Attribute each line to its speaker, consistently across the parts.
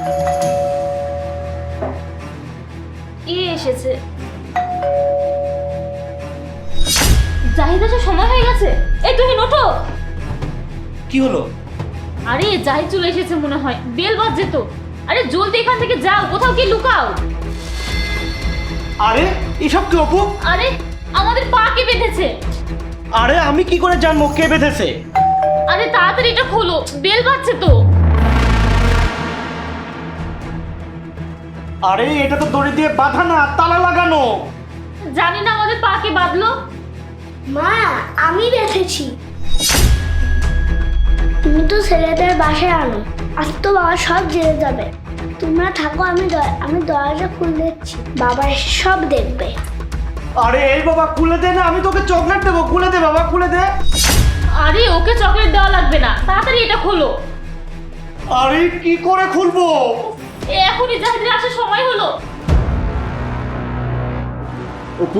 Speaker 1: এসেছে। জাহিদ আসার সময় হয়ে গেছে। এই তুমি ওঠো।
Speaker 2: কি হলো?
Speaker 1: আরে জাহিদ চলে এসেছে মনে হয়, বেল বাজছে তো। আরে জলদি এখান থেকে যাও, কোথাও কি লুকাও।
Speaker 2: আরে এসব কি অপু?
Speaker 1: আরে আমাদের পা কে বেঁধেছে।
Speaker 2: আরে আমি কি করে জানবো কে বেঁধেছে?
Speaker 1: আরে তাড়াতাড়ি এটা খোলো, বেল বাজছে তো।
Speaker 2: আরে এটা তো দড়ি দিয়ে বাঁধা না, তালা লাগানো।
Speaker 1: জানি না আমাদের পা কে বাঁধলো।
Speaker 3: মা, আমি বেঁধেছি। তুমি তো ছেলেদের বাসায় আনো, আজ তো বাবা সব জেনে যাবে। তোমরা থাকো, আমি দরজা খুলে দিচ্ছি, বাবা এসে সব দেখবে।
Speaker 2: আরে এই বাবা খুলে দে না, আমি তোকে চকলেট দেবো, খুলে দে বাবা, খুলে দে।
Speaker 1: আরে ওকে চকলেট দেওয়া লাগবে না, তাড়াতাড়ি এটা খোলো।
Speaker 2: আরে কি করে খুলবো?
Speaker 1: এখনই জাহিদের আসার সময় হলো।
Speaker 4: অপু,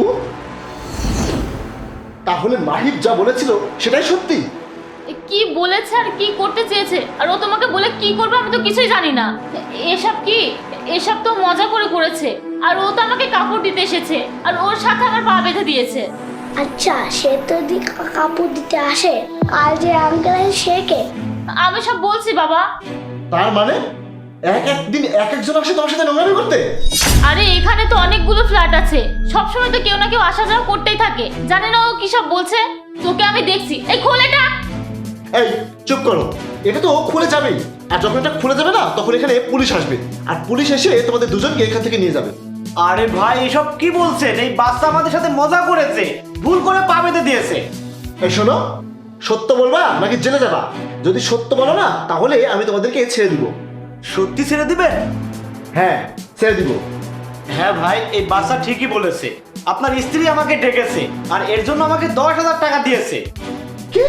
Speaker 4: তাহলে মাহিব যা বলেছিল সেটাই সত্যি?
Speaker 1: কি বলেছে আর কি করতে চেয়েছে, আর ও তোমাকে বলে কি করবে আমি তো কিছুই জানি না। এসব কি? এসব তো মজা করে করেছে। আর ও তো আমাকে কাপড় দিতে এসেছে, আর ওর সাথে আমার পা বেঁধে দিয়েছে।
Speaker 3: আচ্ছা, সে তো কাপড় দিতে আসে, আর যে আঙ্কেল সে কে?
Speaker 1: আমি সব বলছি বাবা।
Speaker 4: তার মানে একদিন এক একজন আসে তোমার সাথে নোংরামি করতে?
Speaker 1: আরে এখানে তো অনেকগুলো ফ্ল্যাট আছে, সবসময় তো কেউ না কেউ আসা যাওয়া করতেই থাকে। জানি না ও কি সব বলছে। তোকে আমি দেখছি। এই খোল এটা।
Speaker 4: এই চুপ করো, এটা তো খুলে যাবেই। আর যখন এটা খুলে যাবে না, তখন এখানে পুলিশ আসবে, আর পুলিশ এসে তোমাদের দুজনকে এখান থেকে নিয়ে যাবে।
Speaker 2: আরে ভাই এসব কি বলছেন? এই বাচ্চা আমাদের সাথে মজা করেছে, ভুল করে পা বেঁধে দিয়েছে।
Speaker 4: এই শোনো, সত্য বলবা নাকি জেলে যাবা? যদি সত্য বলো না, তাহলে আমি তোমাদেরকে ছেড়ে দিব।
Speaker 2: সত্যি ছেড়ে দিবেন?
Speaker 4: হ্যাঁ, ছেড়ে দিব।
Speaker 2: হ্যাঁ ভাই, এই বাচ্চা ঠিকই বলেছে। আপনার স্ত্রী আমাকে ডেকেছে, আর এর জন্য আমাকে 10,000 টাকা দিয়েছে।
Speaker 4: কি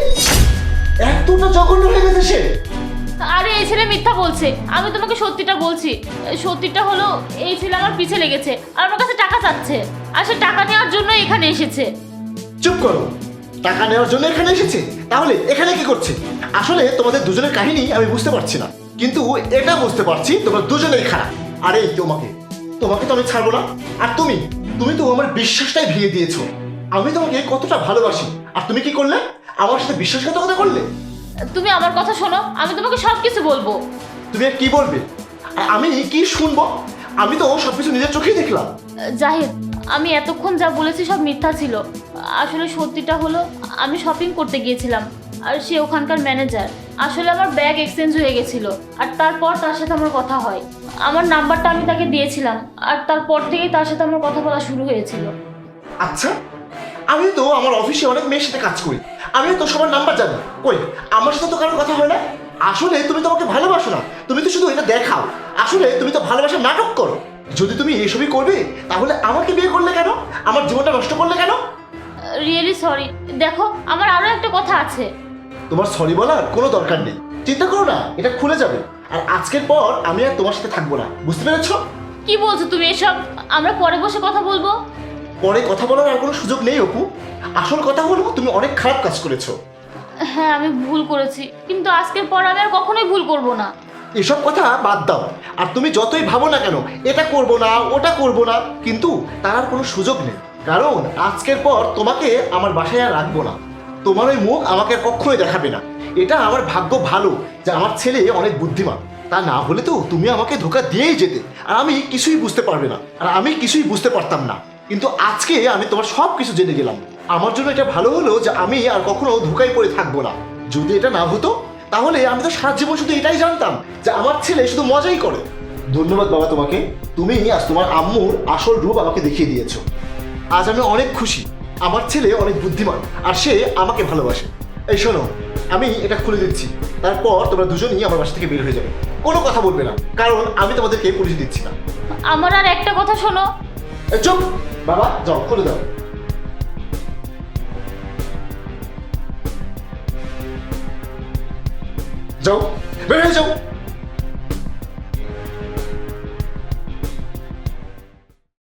Speaker 4: এতটা জঘন্য হয়ে গেছে সে?
Speaker 1: আরে এই ছেলে মিথ্যা বলছে। আমি তোমাকে সত্যিটা বলছি। সত্যিটা হলো এই ছেলে আমার পিছে লেগেছে আর আমার কাছে টাকা চাচ্ছে, আর সে টাকা নেওয়ার জন্য এখানে এসেছে।
Speaker 4: চুপ করো, টাকা নেওয়ার জন্য এখানে এসেছে? তাহলে এখানে কি করছে? আসলে তোমাদের দুজনের কাহিনী আমি বুঝতে পারছি না, কিন্তু এটা বুঝতে পারছি তোমরা দুজনেই খারাপ। আরে তোমাকে তোমাকে তো আমি ছাড়বো না। আর তুমি তো আমার বিশ্বাসটাই ভেঙে দিয়েছো। আমি তোমাকে কতটা ভালোবাসি, আর তুমি কি করলে? আমার সাথে বিশ্বাসঘাতকতা করলে।
Speaker 1: তুমি আমার কথা শোনো, আমি তোমাকে সবকিছু বলবো।
Speaker 4: তুমি আর কি বলবে, আর আমি কি শুনবো? আমি তো সবকিছু নিজের চোখেই দেখলাম।
Speaker 1: জাহিদ, আমি এতক্ষণ যা বলেছি সব মিথ্যা ছিল। আসলে সত্যিটা হলো আমি শপিং করতে গিয়েছিলাম, আর সে ওখানকার ম্যানেজার। আসলে আমার ব্যাগ এক্সচেঞ্জ হয়ে গেছিল, আর তারপর তার সাথে আমার কথা হয়। আমার নাম্বারটা আমি তাকে দিয়েছিলাম, আর তারপর থেকেই তার সাথে আমার কথা বলা শুরু হয়েছিল।
Speaker 4: আচ্ছা, আমি তো আমার অফিসে অনেক মেয়ের সাথে কাজ করি, আমিও তো সবার নাম্বার জানি। কই, আমার সাথে তো কারোর কথা হয় না। আসলে তুমি তো আমাকে ভালোবাসো না, তুমি তো শুধু এটা দেখাও। আসলে তুমি তো ভালোবাসার নাটক করো। যদি তুমি এসবই করবে, তাহলে আমাকে বিয়ে করলে কেন? আমার জীবনটা নষ্ট করলে কেন?
Speaker 1: Really sorry. দেখো, আমার আরো একটা কথা আছে।
Speaker 4: তোমার সরি বলার কোনো দরকার নেই। চিন্তা করো না, এটা খুলে যাবে। আর আজকের পর আমি আর তোমার সাথে থাকবো না, বুঝতে পেরেছো?
Speaker 1: কি বলছো তুমি এসব? আমরা পরে বসে কথা বলবো।
Speaker 4: পরে কথা বলার আর কোনো সুযোগ নেই অপু। আসল কথা হলো তুমি অনেক খারাপ কাজ করেছো।
Speaker 1: হ্যাঁ, আমি ভুল করেছি, কিন্তু আজকের পর আমি আর কখনোই ভুল করব না।
Speaker 4: এসব কথা বাদ দাও। আর তুমি যতই ভাবো না কেন এটা করবো না ওটা করবো না, কিন্তু তার আর কোনো সুযোগ নেই। কারণ আজকের পর তোমাকে আমার বাসায় আর রাখবো না। তোমার ওই মুখ আমাকে আর কখনোই দেখাবে না। এটা আমার ভাগ্য ভালো যে আমার ছেলে অনেক বুদ্ধিমান। তা না হলে তো তুমি আমাকে ধোঁকা দিয়েই যেতে, আর আমি কিছুই বুঝতে পারবে না, আর আমি কিছুই বুঝতে পারতাম না। কিন্তু আজকে আমি তোমার সব কিছু জেনে গেলাম। আমার জন্য এটা ভালো হলো যে আমি আর কখনো ধোঁকায় পড়ে থাকবো না। যদি এটা না হতো, তাহলে আমি তো সারা জীবন শুধু এটাই জানতাম যে আমার ছেলে শুধু মজাই করে। ধন্যবাদ বাবা তোমাকে, তুমি আজ তোমার আম্মুর আসল রূপ আমাকে দেখিয়ে দিয়েছো। আজ আমি অনেক খুশি, আমার ছেলে অনেক বুদ্ধিমান, আর সে আমাকে ভালোবাসে। এই শোনো, আমি এটা খুলে দিচ্ছি, তারপর তোমরা দুজনই আমার বাসা থেকে বের হয়ে যাবে। কোনো কথা বলবে না, কারণ আমি তোমাদেরকে পুলিশ দিচ্ছি না।
Speaker 1: আমার আর একটা কথা শোনো।
Speaker 4: এই চুপ বাবা, যাও খুলে দাও। যাও, বের হয়ে যাও।